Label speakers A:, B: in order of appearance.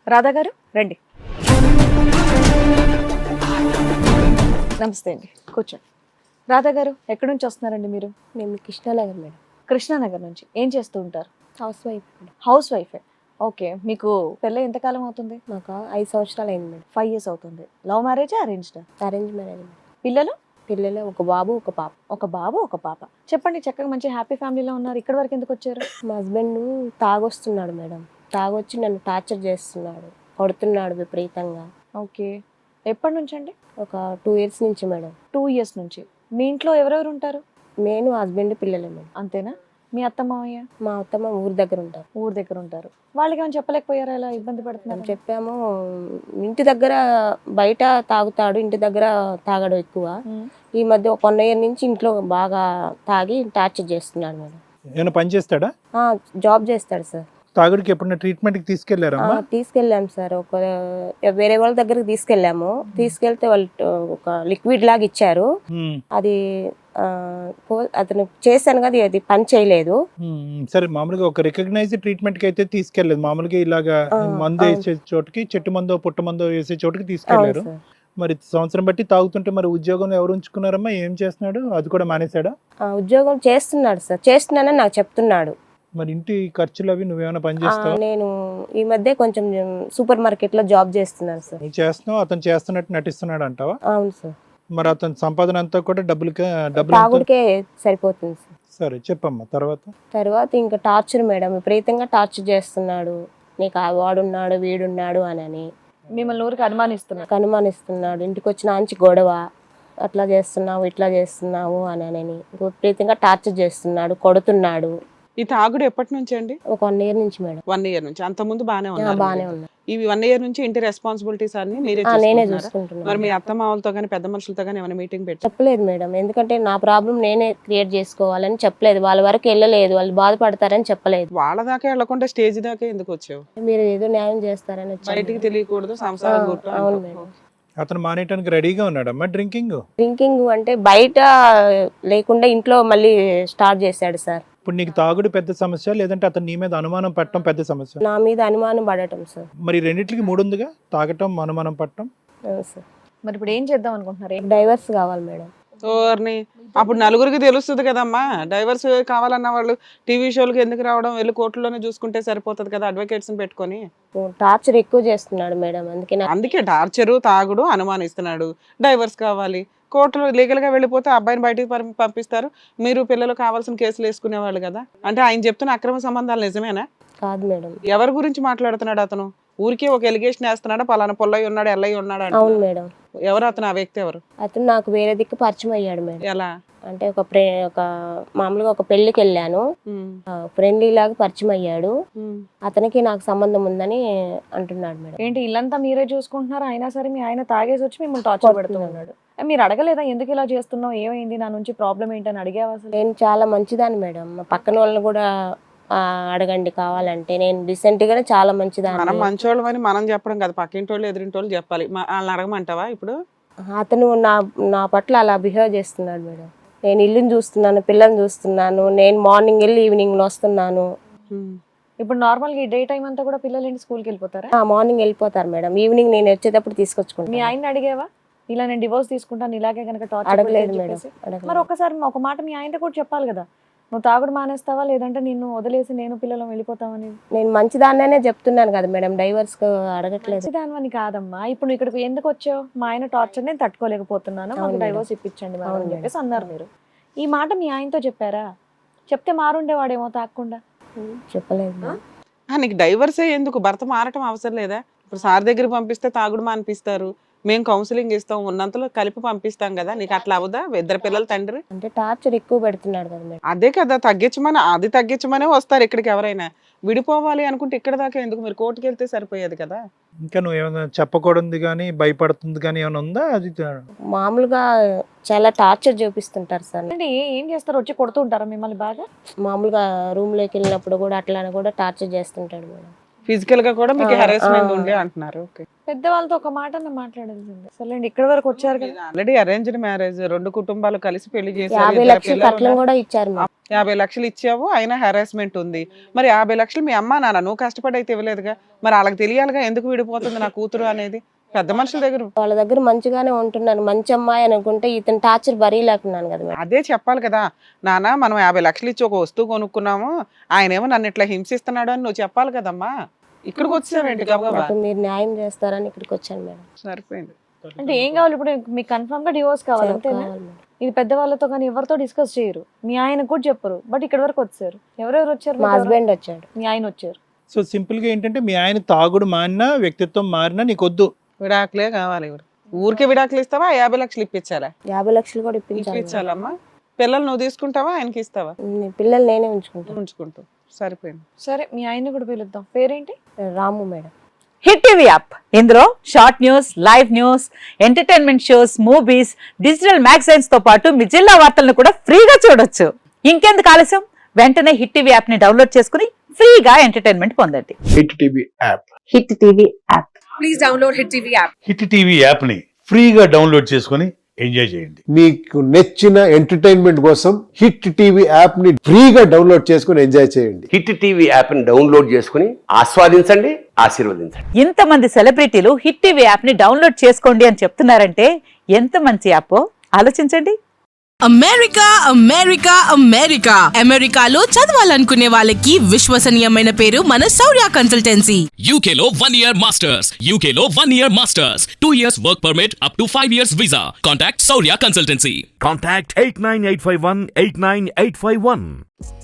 A: రాధా గారు రండి. నమస్తే అండి, కూర్చోండి. రాధా గారు ఎక్కడి నుంచి వస్తున్నారండి మీరు?
B: మేము కృష్ణానగర్ మేడం.
A: కృష్ణానగర్ నుంచి. ఏం చేస్తూ ఉంటారు?
B: House wife madam.
A: హౌస్ వైఫే. ఓకే, మీకు పెళ్ళి ఎంతకాలం అవుతుంది?
B: మాకు 5 సంవత్సరాలు అయింది మేడం.
A: 5 years అవుతుంది. లవ్ మ్యారేజా అరేంజ్డా?
B: Arrange marriage madam.
A: పిల్లలు?
B: పిల్లలు ఒక బాబు ఒక పాప.
A: ఒక బాబు ఒక పాప. చెప్పండి, చక్కగా మంచి హ్యాపీ ఫ్యామిలీలో ఉన్నారు. ఇక్కడ వరకు ఎందుకు వచ్చారు?
B: మా హస్బెండ్ తాగొస్తున్నాడు మేడం. తాగొచ్చి నన్ను టార్చర్ చేస్తున్నాడు, కొడుతున్నాడు విపరీతంగా.
A: ఓకే, ఎప్పటి నుంచి అండి?
B: ఒక 2 years నుంచి మేడం.
A: 2 years నుంచి. మీ ఇంట్లో ఎవరెవరు ఉంటారు?
B: నేను హస్బెండ్ పిల్లలే మేడం.
A: అంతేనా? మీ అత్త మామయ్య?
B: మా అత్తమ్మ ఊరి దగ్గర ఉంటారు.
A: ఊరు దగ్గర ఉంటారు. వాళ్ళకి ఏమైనా చెప్పలేకపోయారా ఇలా ఇబ్బంది పడుతున్నారు?
B: మేము చెప్పాము, ఇంటి దగ్గర బయట తాగుతాడు, ఇంటి దగ్గర తాగడు ఎక్కువ. ఈ మధ్య ఒక 1 year నుంచి ఇంట్లో బాగా తాగి టార్చర్ చేస్తున్నాడు మేడం.
C: ఏమైనా పని చేస్తాడా?
B: జాబ్ చేస్తాడు సార్.
C: తాగుడికి ఎప్పుడైనా ట్రీట్మెంట్కి తీసుకెళ్లారమ్మా?
B: తీసుకెళ్ళాము సార్. ఒక వేరే వాళ్ళ దగ్గరికి తీసుకెళ్ళాము. తీసుకెళ్తే వాళ్ళు ఒక లిక్విడ్ లాగా ఇచ్చారు. అది అతను చేశాను కదా, అది పని చేయలేదు.
C: సరే, మామూలుగా ఒక రికగ్నైజ్ ట్రీట్మెంట్ కి అయితే తీసుకెళ్లేదు. మామూలుగా ఇలాగా మందు వేసే చోటుకి, చెట్టు మందో పుట్ట మందో వేసే చోటుకి తీసుకెళ్లారు. మరి సంవత్సరం బట్టి తాగుతుంటే మరి ఉద్యోగం ఎవరు ఉంచుకున్నారమ్మా? ఏం చేస్తున్నాడు? అది కూడా మానేశాడా?
B: ఉద్యోగం చేస్తున్నాడు సార్. చేస్తున్నానని నాకు చెప్తున్నాడు.
C: మరి ఇంటి ఖర్చులు అవి నువ్వేమైనా పని చేస్తావా?
B: నేను ఈ మధ్య కొంచెం సూపర్ మార్కెట్ లో జాబ్ చేస్తున్నాను సార్.
C: నువ్వు చేస్తున్నావు, అతను చేస్తున్నట్టు నటిస్తున్నాడు అంటావా?
B: అవును సార్.
C: మరి అతని సంపాదన అంతా కూడా డబ్బులు
B: తాగుడికే సరిపోతుంది సార్.
C: సరే చెప్పమ్మా.
B: తర్వాత ఇంకా టార్చర్ మేడం, విపరీతంగా టార్చర్ చేస్తున్నాడు. నీకు వాడున్నాడు వీడున్నాడు అని
A: మిమ్మల్ని ఊరికి
B: అనుమానిస్తున్నాడు. ఇంటికి వచ్చిన ఆంచి గొడవ, అట్లా చేస్తున్నావు ఇట్లా చేస్తున్నావు అని విపరీతంగా టార్చర్ చేస్తున్నాడు, కొడుతున్నాడు.
D: ఈ తాగుడు ఎప్పటి నుంచి అండి?
B: ఒక 1 year నుంచి మేడం.
D: 1 year నుంచి. అంత ముందు బానే
B: బానే ఉన్నా.
D: ఇవి 1 year నుంచి ఇంటి రెస్పాన్సిబిలిటీస్ అన్ని
B: నేనే
D: నేనే
B: చూసుకుంటున్నాను.
D: మరి మీ అత్త మామలతో గానీ పెద్ద మనుషులతో గానీ ఏమైనా మీటింగ్ పెట్టి
B: చెప్పలేదు మేడం. ఎందుకంటే నా ప్రాబ్లం నేనే క్రియేట్ చేసుకోవాలని చెప్పలేదు. వాళ్ళ వరకు వెళ్ళలేదు, వాళ్ళు బాధపడతారని చెప్పలేదు.
D: వాళ్ళ దాకా వెళ్లకుండా స్టేజ్ దాకా ఎందుకు వచ్చావు?
B: మీరు ఏదో న్యాయం చేస్తారని వచ్చాను.
D: బయటికి తెలియకూడదు సంసారం గుట్టు.
B: అవును మేడం.
C: అతను మానేయడానికి రెడీగా ఉన్నాడమ్మా.
B: డ్రింకింగ్ అంటే బయట లేకుండా ఇంట్లో మళ్ళీ స్టార్ట్ చేశాడు సార్.
C: ఇప్పుడు నీకు తాగుడు పెద్ద సమస్య, లేదంటే అతను నీ మీద అనుమానం పట్టడం పెద్ద సమస్య?
B: నా మీద అనుమానం పడటం సార్.
C: మరి రెండిట్లకి 3 ఉందిగా, తాగటం, అనుమానం పట్టడం.
B: సార్
A: మరి ఇప్పుడు ఏం చేద్దాం అనుకుంటున్నారు?
B: డైవర్స్ కావాలి మేడం.
D: ఓర్ని, అప్పుడు నలుగురికి తెలుస్తుంది కదమ్మా. డైవర్స్ కావాలన్న వాళ్ళు టీవీ షోలకు ఎందుకు రావడం? వెళ్ళి కోర్టులోనే చూసుకుంటే సరిపోతుంది కదా, అడ్వకేట్స్ పెట్టుకొని.
B: టార్చర్ ఎక్కువ చేస్తున్నాడు మేడం.
D: అందుకే టార్చరు, తాగుడు, అనుమానిస్తున్నాడు. డైవర్స్ కావాలి, కోర్టులో లీగల్ గా వెళ్ళిపోతే అబ్బాయిని బయటికి పంపిస్తారు. మీరు పిల్లలు కావాల్సిన కేసులు వేసుకునేవాళ్ళు కదా. అంటే ఆయన చెప్తున్న అక్రమ సంబంధాలు నిజమేనా?
B: కాదు మేడం.
D: ఎవరి గురించి మాట్లాడుతున్నాడు అతను? ఊరికే ఒక ఎలిగేషన్ వేస్తున్నాడా, పలానా పొల్లయ్య ఉన్నాడు, ఎల్లయ్య ఉన్నాడు?
B: అవును మేడం.
D: ఎవరు అతను? ఆ వ్యక్తి ఎవరు?
B: అతను నాకు వేరే దిక్కు పరిచయం అయ్యాడు మేడం.
D: ఎలా
B: అంటే ఒక మామూలుగా ఒక పెళ్లికి వెళ్ళాను, ఫ్రెండ్లీ లాగా పరిచయం అయ్యాడు. అతనికి నాకు సంబంధం ఉందని అంటున్నాడు మేడం.
A: ఏంటి ఇల్లంతా మీరే చూసుకుంటున్నారు, అయినా సరే మీ ఆయన తాగేసి వచ్చి మిమ్మల్ని టార్చర్ పెడుతూ ఉన్నాడు. మీరు అడగలేదా ఎందుకు ఇలా చేస్తున్నావు, ఏమైంది, నా నుంచి ప్రాబ్లం ఏంటని అడిగావా అసలు?
B: నేను చాలా మంచిదాన్ని మేడం. మా పక్కన వాళ్ళని కూడా అడగండి కావాలంటే. నేను రీసెంట్ గానే చాలా మంచిదాన్ని.
D: మనం మంచోళ్ళం అని మనం చెప్పడం కదా, పక్కింటి వాళ్ళు ఎదురింటి వాళ్ళు చెప్పాలి. వాళ్ళని అడగమంటావా ఇప్పుడు?
B: అతను నా పట్ల అలా బిహేవ్ చేస్తున్నాడు మేడం. నేను ఇల్లుని చూస్తున్నాను, పిల్లల్ని చూస్తున్నాను, నేను మార్నింగ్ వెళ్ళి ఈవినింగ్ వస్తున్నాను.
A: ఇప్పుడు నార్మల్గా ఈ డే టైం అంతా కూడా పిల్లలు ఏంటి స్కూల్కి వెళ్ళిపోతారా?
B: మార్నింగ్ వెళ్ళిపోతారు మేడం, ఈవినింగ్ నేను వచ్చేటప్పుడు తీసుకొచ్చుకుంటాను.
A: మీ ఆయన అడిగేవా ఇలా నేను డివోర్స్ తీసుకుంటాను ఇలాగే కనుక టార్చర్?
B: అడగలేదు మేడం.
A: మరి ఒకసారి ఒక మాట మీ ఆయనతో కూడా చెప్పాలి కదా, నువ్వు తాగుడు మానేస్తావా లేదంటే నిన్ను వదిలేసి నేను పిల్లలు వెళ్ళిపోతామని.
B: నేను మంచిదాన్నే చెప్తున్నాను కదా మేడం, డైవర్స్ అడగట్లేదు.
A: మంచిదాని కాదమ్మా. ఇప్పుడు ఇక్కడికి ఎందుకు వచ్చావు? మా ఆయన టార్చర్ నేను తట్టుకోలేకపోతున్నాను, మాకు డైవర్స్ ఇప్పించండి మేడం అని చెప్పేసి అన్నారు. మీరు ఈ మాట మీ ఆయనతో చెప్పారా? చెప్తే మారుండేవాడేమో తాగకుండా.
B: చెప్పలేదు.
D: నీకు డైవర్సే ఎందుకు? భర్త మారటం అవసరం లేదా? ఇప్పుడు సార్ దగ్గర పంపిస్తే తాగుడు మానిపిస్తారు, మేము కౌన్సిలింగ్ ఇస్తాం, ఉన్నంతలో కలిపి పంపిస్తాం కదా. నీకు అట్లా అవదా? 2 పిల్లల తండ్రి
B: అంటే టార్చర్ ఎక్కువ పెడుతున్నాడు కదా మేడం.
D: అదే కదా, తగ్గించమనే వస్తారు ఇక్కడికి ఎవరైనా. విడిపోవాలి అనుకుంటే ఇక్కడ దాకా ఎందుకు? మీరు కోర్టుకి వెళ్తే సరిపోయేది కదా.
C: ఇంకా నువ్వు ఏమైనా చెప్పకూడదు కానీ భయపడుతుంది కానీ ఏమైనా ఉందా? అది
B: మామూలుగా చాలా టార్చర్ చూపిస్తుంటారు సార్.
A: అంటే ఏం చేస్తారు? వచ్చి కొడుతూ ఉంటారా మిమ్మల్ని బాగా?
B: మామూలుగా రూమ్ లోకి వెళ్ళినప్పుడు కూడా అట్లా కూడా టార్చర్ చేస్తుంటాడు మేడం.
D: ఫిజికల్ గా కూడా మీకు హెరాస్మెంట్ ఉండే అంటున్నారు. ఓకే,
A: పెద్దవాళ్ళతో ఒక మాట మాట్లాడాల్సింది. సరేండి, ఇక్కడ వరకు వచ్చారు కదా.
D: ఆల్రెడీ అరేంజ్డ్ మ్యారేజ్, 2 కుటుంబాలు కలిసి పెళ్లి చేశారు.
B: 50 లక్షలు కట్నం కూడా ఇచ్చారు మేడం.
D: 50 లక్షలు ఇచ్చావు, అయినా హెరాస్మెంట్ ఉంది. మరి 50 లక్షలు మీ అమ్మ నాన్న నువ్వు కష్టపడి అయితే ఇవ్వలేదుగా, మరి వాళ్ళకి తెలియాలిగా ఎందుకు విడిపోతుంది నా కూతురు అనేది. పెద్ద మనుషుల దగ్గర
B: వాళ్ళ దగ్గర మంచిగానే ఉంటున్నాను, మంచి అమ్మాయి అనుకుంటే ఇతను టార్చర్ బరీలేకున్నాను కదా మేడం.
D: అదే చెప్పాలి కదా, నాన్న మనం 50 లక్షలు ఇచ్చి ఒక వస్తువు కొనుక్కున్నాము, ఆయన ఏమో నన్ను ఇట్లా హింసిస్తున్నాడు అని నువ్వు చెప్పాలి కదమ్మా. ఇక్కడికి వచ్చావేంటి గబగబా?
B: నాకు మీరు న్యాయం చేస్తారని ఇక్కడికి వచ్చాను మేడం.
D: సరిపోయింది.
A: అంటే ఏం కావాలి ఇప్పుడు? మీకు కన్ఫర్మ్ గా డివోర్స్ కావాలి అంతేనా?
B: కావాలి మేడం.
A: ఇది పెద్దవాళ్ళతో కానీ ఎవరితో డిస్కస్ చేయరు, మీ ఆయన కూడా చెప్పరు, బట్ ఇక్కడ వరకు వచ్చారు. ఎవరెవరు వచ్చారు?
B: మా హస్బెండ్ వచ్చాడు.
A: మీ ఆయన వచ్చారు.
C: సో సింపుల్ గా ఏంటంటే మీ ఆయన తాగుడు మారినా వ్యక్తిత్వం మారినా నీకొద్దు,
D: విడాకులే కావాలి. ఊరికే విడాకులు ఇస్తావా? 50 లక్షలు ఇప్పించాలా?
B: 50 లక్షలు కూడా ఇప్పించాలి.
D: ఇప్పించాలమ్మా. పిల్లలు నువ్వు తీసుకుంటావా, ఆయనకి ఇస్తావా?
B: పిల్లలు నేనే ఉంచుకుంటాను.
D: ఉంచుకుంటావు, సరిపోయింది.
A: సరే, మీ ఆయన కూడా పిలుద్దాం. పేరేంటి?
B: Ramu madam.
E: Hit TV app, ఇందులో short news, live news, entertainment shows, movies, digital magazines తో పాటు మీ జిల్లా వార్తలను కూడా ఫ్రీగా చూడొచ్చు. ఇంకెందుకు ఆలస్యం, వెంటనే హిట్ టీవీ యాప్ ని డౌన్లోడ్ చేసుకుని ఫ్రీగా ఎంటర్టైన్మెంట్ పొందండి.
F: Hit TV app.
E: Hit TV app.
G: Please download hit TV app.
H: Hit TV యాప్ని ఫ్రీగా డౌన్లోడ్ చేసుకొని ఎంజాయ్ చేయండి.
F: మీకు నచ్చిన ఎంటర్టైన్మెంట్ కోసం హిట్ టీవీ యాప్ ని ఫ్రీగా డౌన్లోడ్ చేసుకొని ఎంజాయ్ చేయండి.
I: హిట్ టీవీ యాప్ని డౌన్లోడ్ చేసుకుని ఆస్వాదించండి, ఆశీర్వదించండి.
E: ఇంతమంది సెలబ్రిటీలు హిట్ టీవీ యాప్ ని డౌన్లోడ్ చేసుకోండి అని చెప్తున్నారంటే ఎంత మంచి యాప్ ఆలోచించండి.
G: అమెరికా అమెరికా అమెరికా అమెరికాలో చదవాలనుకునే వాళ్ళకి విశ్వసనీయమైన పేరు మన శౌర్య కన్సల్టెన్సీ.
J: UK లో 1 year masters, UK లో 1 year masters, 2 years work permit up to 5 years visa. Contact Saurya Consultancy.
K: Contact 89851 89851.